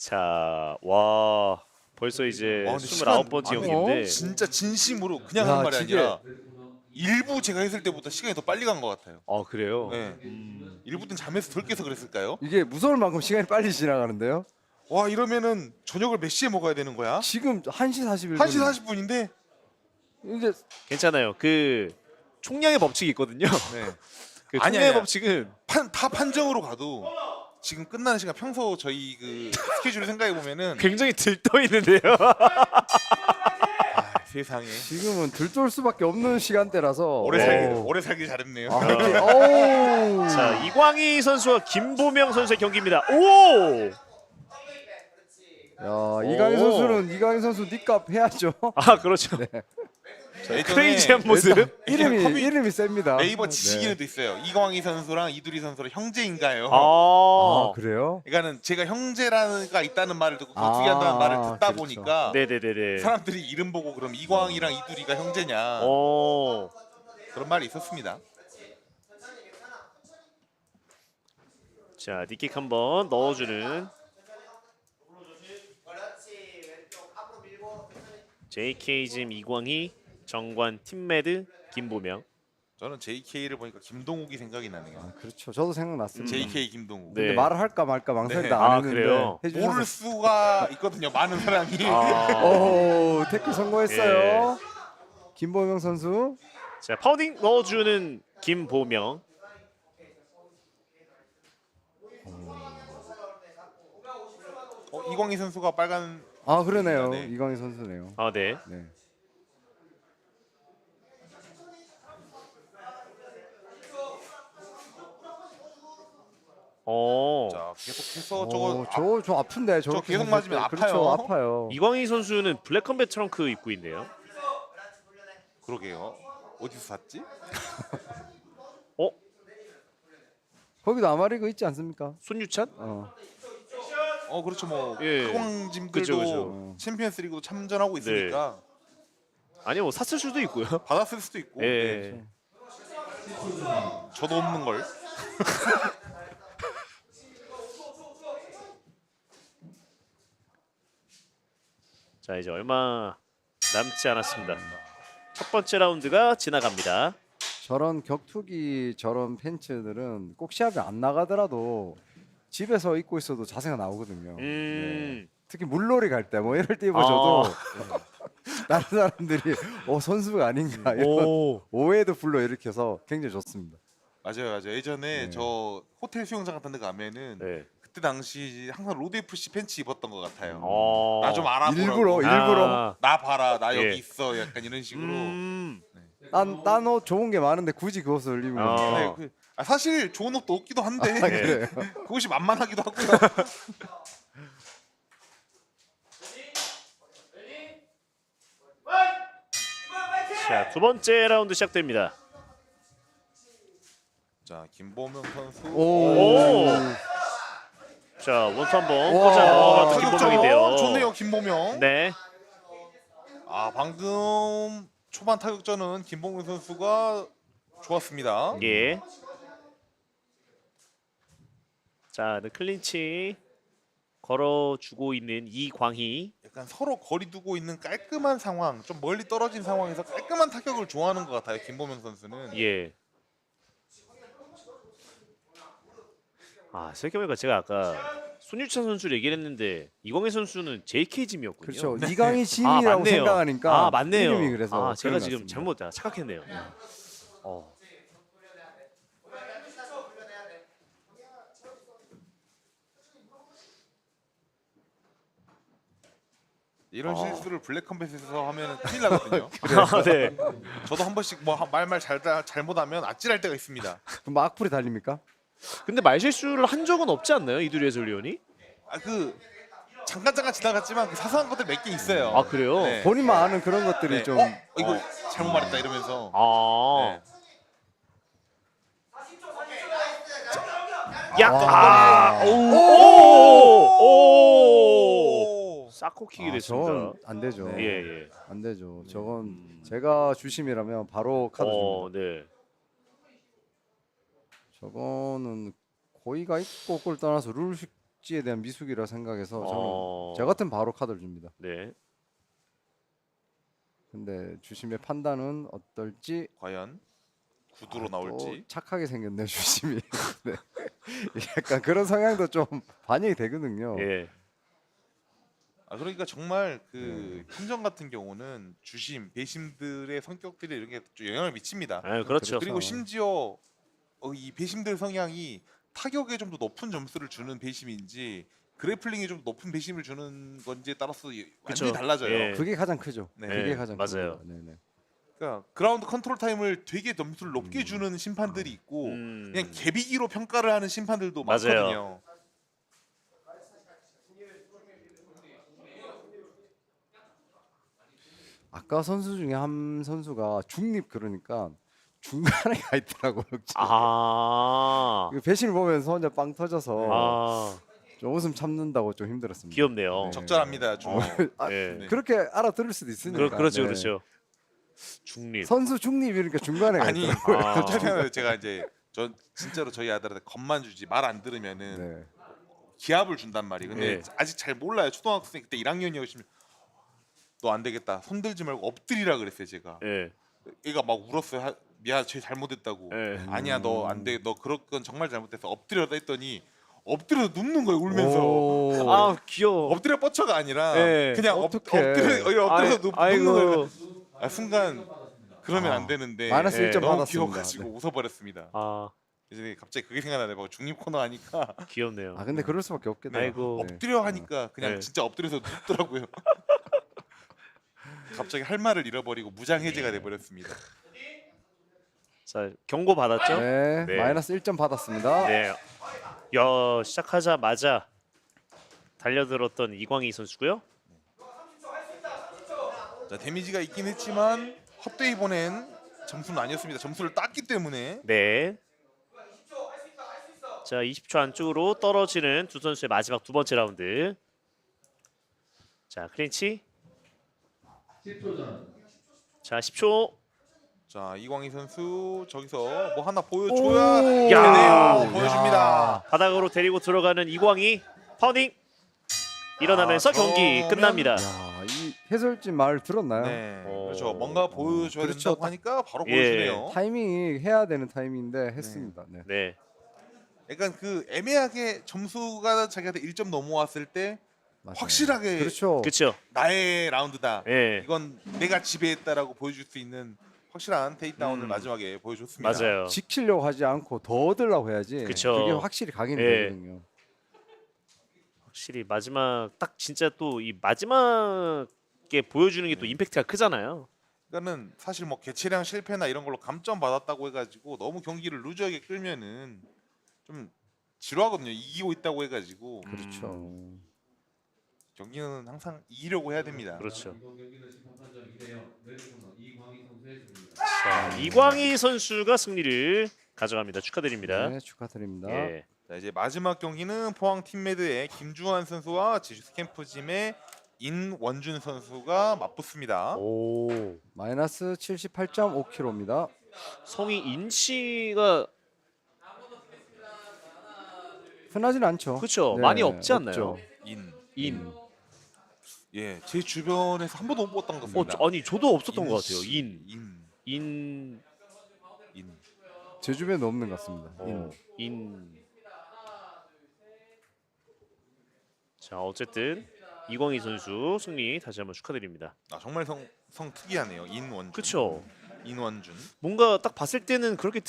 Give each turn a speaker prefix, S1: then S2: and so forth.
S1: 자, 와 벌써 이제
S2: 와, 근데
S1: 29번째
S2: 시간-
S1: 경기인데
S2: 진짜 진심으로 그냥
S3: 야,
S2: 하는 말이
S3: 지게.
S2: 아니라 일부 제가 했을 때보다 시간이 더 빨리 간 것 같아요.
S1: 아 그래요?
S2: 네. 일부 때는 잠에서 덜 깨서 그랬을까요?
S3: 이게 무서울 만큼 시간이 빨리 지나가는데요.
S2: 와 이러면은 저녁을 몇 시에 먹어야 되는 거야?
S3: 지금 1시 41분.
S2: 1시 40분인데
S3: 이제
S1: 괜찮아요. 그 총량의 법칙이 있거든요.
S2: 네.
S1: 그
S2: 아니,
S1: 총량의
S2: 아니야.
S1: 법칙은
S2: 다 판정으로 가도 지금 끝나는 시간 평소 저희 그 스케줄을 생각해 보면은
S1: 굉장히 들떠 있는데요.
S2: 세상에
S3: 지금은 들떠올 수밖에 없는 시간대라서
S2: 오래 살기 잘했네요.
S3: 아, 이렇게, 어우.
S1: 자, 이광희 선수와 김보명 선수의 경기입니다. 오!
S3: 야, 이강인 선수 니값 해야죠.
S1: 아 그렇죠.
S2: 예전에
S1: 크레이지한 모습.
S3: 이름이 셉니다.
S2: 네이버
S3: 네.
S2: 지식인에도 있어요. 이광희 선수랑 이두리 선수랑 형제인가요?
S1: 아,
S3: 그래요?
S2: 그러니까는 제가 형제라가 있다는 말을 듣고
S3: 아,
S2: 거투기한다는 말을 듣다
S3: 그렇죠.
S2: 보니까
S1: 네네네네.
S2: 사람들이 이름 보고 그럼 이광희랑 이두리가 형제냐
S1: 오.
S2: 그런 말이 있었습니다.
S1: 자, 니킥 한번 넣어주는 JK짐 이광희, 정관 팀매드 김보명.
S2: 저는 JK를 보니까 김동욱이 생각이 나네요.
S3: 그렇죠. 저도 생각났습니다.
S2: JK 김동욱.
S1: 네.
S3: 근데 말을 할까 말까 망설이다
S2: 네.
S3: 안
S1: 아,
S3: 했는데
S1: 그래요?
S3: 해주셔서
S2: 모를 수가 있거든요. 많은 사람이.
S1: 아.
S3: 오, 태클 성공했어요.
S1: 예.
S3: 김보명 선수.
S1: 자, 파운딩 넣어주는 김보명.
S2: 이광희 선수가 빨간
S3: 아, 그러네요.
S2: 네.
S3: 이광희 선수네요.
S1: 아, 네.
S3: 네.
S1: 어.
S2: 자 계속해서 저거
S3: 저 아픈데
S2: 저 계속 맞으면 아파요.
S3: 그렇죠, 아파요.
S1: 이광희 선수는 블랙 컴뱃 트렁크 입고 있네요.
S2: 그러게요. 어디서 샀지?
S1: 어?
S3: 거기도 아마리그 있지 않습니까?
S1: 손유찬?
S2: 그렇죠. 뭐
S1: 예.
S2: 크광짐들도
S1: 그쵸, 그쵸.
S2: 챔피언스리그도 참전하고 있으니까
S1: 아니 뭐 샀을 수도 있고요.
S2: 받았을 수도 있고.
S1: 예.
S2: 네. 저도 없는 걸.
S1: 자, 이제 얼마 남지 않았습니다. 첫 번째 라운드가 지나갑니다.
S3: 저런 격투기 저런 팬츠들은 꼭 시합에 안 나가더라도 집에서 입고 있어도 자세가 나오거든요. 네. 특히 물놀이 갈 때 뭐 이럴 때 입어줘도 다른 사람들이 선수가 아닌가 이런
S1: 오.
S3: 오해도 불러일으켜서 굉장히 좋습니다.
S2: 맞아요. 예전에
S3: 네.
S2: 저 호텔 수영장 같은 데 가면은
S1: 네.
S2: 그때 당시 항상 로드 FC 팬츠 입었던 것 같아요.
S1: 어.
S2: 나 좀 알아보라고.
S3: 일부러
S2: 나 봐라. 나
S1: 예.
S2: 여기 있어. 약간 이런 식으로.
S3: 딴 옷 좋은 게 많은데 굳이 그것을 입으면
S1: 어.
S2: 네, 사실 좋은 옷도 없기도 한데
S3: 그래요.
S2: 그것이 만만하기도 하고요.
S1: 자, 두 번째 라운드 시작됩니다.
S2: 자 김보명 선수.
S1: 오. 자, 원투 한번
S3: 와.
S1: 꽂아 넣어봤던
S2: 타격점
S1: 김보명인데요.
S2: 좋네요 김보명.
S1: 네.
S2: 방금 초반 타격전은 김보명 선수가 좋았습니다.
S1: 예. 자, 클린치 걸어주고 있는 이광희.
S2: 약간 서로 거리 두고 있는 깔끔한 상황, 좀 멀리 떨어진 상황에서 깔끔한 타격을 좋아하는 것 같아요. 김보명 선수는.
S1: 예. 생각해보니까 제가 아까 손유찬 선수를 얘기를 했는데 이광희 선수는 JK짐이었군요.
S3: 그렇죠. 이강인 짐이라고
S1: 맞네요.
S3: 생각하니까
S1: 맞네요.
S3: 이름이 그래서
S1: 제가
S3: 그런 것
S1: 지금
S3: 같습니다.
S1: 잘못 착각했네요.
S2: 이런 실수를 블랙컴뱃에서 하면 큰일 나거든요.
S1: 네.
S2: 저도 한 번씩 뭐 말말 잘못하면 아찔할 때가 있습니다.
S3: 그럼 뭐 악플이 달립니까?
S1: 근데 말실수를 한 적은 없지 않나요, 이두리 해설위원이?
S2: 잠깐 지나갔지만 그 사소한 것들 몇 개 있어요.
S1: 아, 그래요?
S2: 네.
S3: 본인만 아는 그런 것들이
S2: 네.
S3: 좀
S2: 이거 잘못 말했다 이러면서.
S1: 아.
S2: 네.
S1: 야, 오! 사코킥이 됐습니다.
S3: 저건 안 되죠.
S1: 예, 예.
S3: 안 되죠. 저건 제가 주심이라면 바로 카드 줍니다.
S1: 네.
S3: 저거는 고의가 있고 그걸 떠나서 복지에 대한 미숙이라 생각해서 저는
S1: 어.
S3: 저 같은 바로 카드를 줍니다.
S1: 네.
S3: 근데 주심의 판단은 어떨지
S2: 과연 구두로
S3: 또
S2: 나올지.
S3: 착하게 생겼네 주심이. 네. 약간 그런 성향도 좀 반영이 되거든요.
S1: 예.
S2: 그러니까 정말 그 팀전 같은 경우는 주심, 배심들의 성격들이 이런 게 좀 영향을 미칩니다.
S1: 아, 그렇죠.
S2: 그리고 심지어 이 배심들 성향이 타격에 좀 더 높은 점수를 주는 배심인지 그래플링에 좀 높은 배심을 주는 건지에 따라서 완전히
S1: 그쵸.
S2: 달라져요.
S1: 예.
S3: 그게 가장 크죠.
S2: 네.
S3: 그게
S1: 네,
S3: 가장
S1: 맞아요.
S3: 큽니다. 네네.
S2: 그러니까 그라운드 컨트롤 타임을 되게 점수를 높게 주는 심판들이 있고 그냥 개비기로 평가를 하는 심판들도
S1: 맞아요.
S2: 많거든요.
S3: 아까 선수 중에 한 선수가 중립 그러니까 중간에 가 있더라고요.
S1: 아.
S3: 그 배신을 보면서 혼자 빵 터져서
S1: 아.
S3: 좀 웃음 참는다고 좀 힘들었습니다.
S1: 귀엽네요.
S3: 네.
S2: 적절합니다. 좀.
S3: 아,
S1: 네.
S3: 그렇게 알아들을 수도 있으니까.
S1: 그렇죠,
S3: 네.
S1: 그렇죠. 중립.
S3: 선수 중립이니까 중간에 가
S2: 아니
S3: 있더라고요.
S1: 아.
S2: 최근에 제가 이제 전 진짜로 저희 아들한테 겁만 주지 말 안 들으면은
S3: 네.
S2: 기합을 준단 말이에요. 근데
S1: 네.
S2: 아직 잘 몰라요. 초등학생 그때 1학년이었으면 너 안 되겠다. 손 들지 말고 엎드리라 그랬어요. 제가.
S1: 예.
S2: 얘가 막 울었어요. 미안, 쟤 잘못했다고.
S1: 예.
S2: 아니야, 너 안 돼. 너 그런 건 정말 잘못했어. 엎드려라 했더니 엎드려서 눕는 거예요. 울면서.
S3: 오.
S1: 아, 귀여워.
S2: 엎드려 뻗쳐가 아니라
S1: 네.
S2: 그냥
S3: 어떡해.
S2: 엎드려서 눕는
S1: 아이고.
S2: 거예요. 순간 그러면 안 되는데
S3: 마이너스
S1: 네.
S3: 1점
S2: 너무
S3: 받았습니다.
S2: 귀여워가지고
S3: 네.
S2: 웃어버렸습니다.
S1: 아,
S2: 이제 갑자기 그게 생각나네. 뭐 중립 코너 하니까
S1: 귀엽네요.
S3: 아 근데 그럴 수밖에 없겠네요.
S1: 아이고.
S3: 네.
S2: 엎드려 하니까 그냥
S1: 네.
S2: 진짜 엎드려서 눕더라고요. 갑자기 할 말을 잃어버리고 무장 해제가 돼버렸습니다.
S1: 자, 경고 받았죠?
S3: 네.
S1: 네.
S3: 마이너스 1점 받았습니다.
S1: 네. 야, 시작하자마자 달려들었던 이광희 선수고요.
S2: 자, 데미지가 있긴 했지만 헛되이 보낸 점수는 아니었습니다. 점수를 땄기 때문에
S1: 네. 자, 20초 안쪽으로 떨어지는 두 선수의 마지막 두 번째 라운드. 자, 클린치. 자, 10초.
S2: 자, 이광희 선수 저기서 뭐 하나 보여줘야
S3: 오!
S1: 야!
S2: 되네요. 보여줍니다.
S1: 바닥으로 데리고 들어가는 이광희. 파운딩. 일어나면서 경기
S2: 그러면-
S1: 끝납니다.
S3: 야, 이 해설진 말 들었나요?
S2: 네,
S1: 어.
S2: 그렇죠. 뭔가 보여줘야
S3: 그렇죠.
S2: 된다고 하니까 바로
S1: 예.
S2: 보여주네요.
S3: 타이밍이 해야 되는 타이밍인데 했습니다. 네.
S1: 네.
S2: 약간 그 애매하게 점수가 자기한테 1점 넘어왔을 때
S3: 맞아요.
S2: 확실하게
S3: 그렇죠.
S1: 그렇죠.
S2: 나의 라운드다.
S1: 예.
S2: 이건 내가 지배했다라고 보여줄 수 있는 확실한 테이크다운을 마지막에 보여줬습니다.
S1: 맞아요.
S3: 지키려고 하지 않고 더 얻으려고 해야지.
S1: 그쵸.
S3: 그게 확실히 각인이
S1: 예.
S3: 되거든요.
S1: 확실히 마지막 딱 진짜 또 이 마지막에 보여주는 게 또 임팩트가 크잖아요.
S2: 그러니까는 사실 뭐 개체량 실패나 이런 걸로 감점 받았다고 해가지고 너무 경기를 루즈하게 끌면은 좀 지루하거든요. 이기고 있다고 해가지고
S3: 그렇죠.
S2: 경기는 항상 이기려고 해야 됩니다.
S1: 그렇죠. 자, 이광희 선수가 승리를 가져갑니다. 축하드립니다.
S3: 네, 축하드립니다.
S1: 예.
S2: 자, 이제 마지막 경기는 포항 팀메드의 김주환 선수와 제주스 캠프짐의 인원준 선수가 맞붙습니다.
S1: 오.
S3: 마이너스 78.5kg입니다.
S1: 성이 인치가
S3: 흔하진 않죠.
S1: 그렇죠.
S3: 네,
S1: 많이 없지 않나요?
S3: 없죠.
S2: 인. 예, 제 주변에서 한 번도 못 봤던 것 같습니다.
S1: 아니 저도 없었던 것 같아요.
S2: 인씨,
S1: 인.
S2: 인.
S3: 제 주변에 없는 것 같습니다.
S1: 인. 자, 어쨌든 이광희 선수 승리 다시 한번 축하드립니다.
S2: 아, 정말 성 특이하네요. 인원준.
S1: 그렇죠.
S2: 인원준.
S1: 뭔가 딱 봤을 때는 그렇게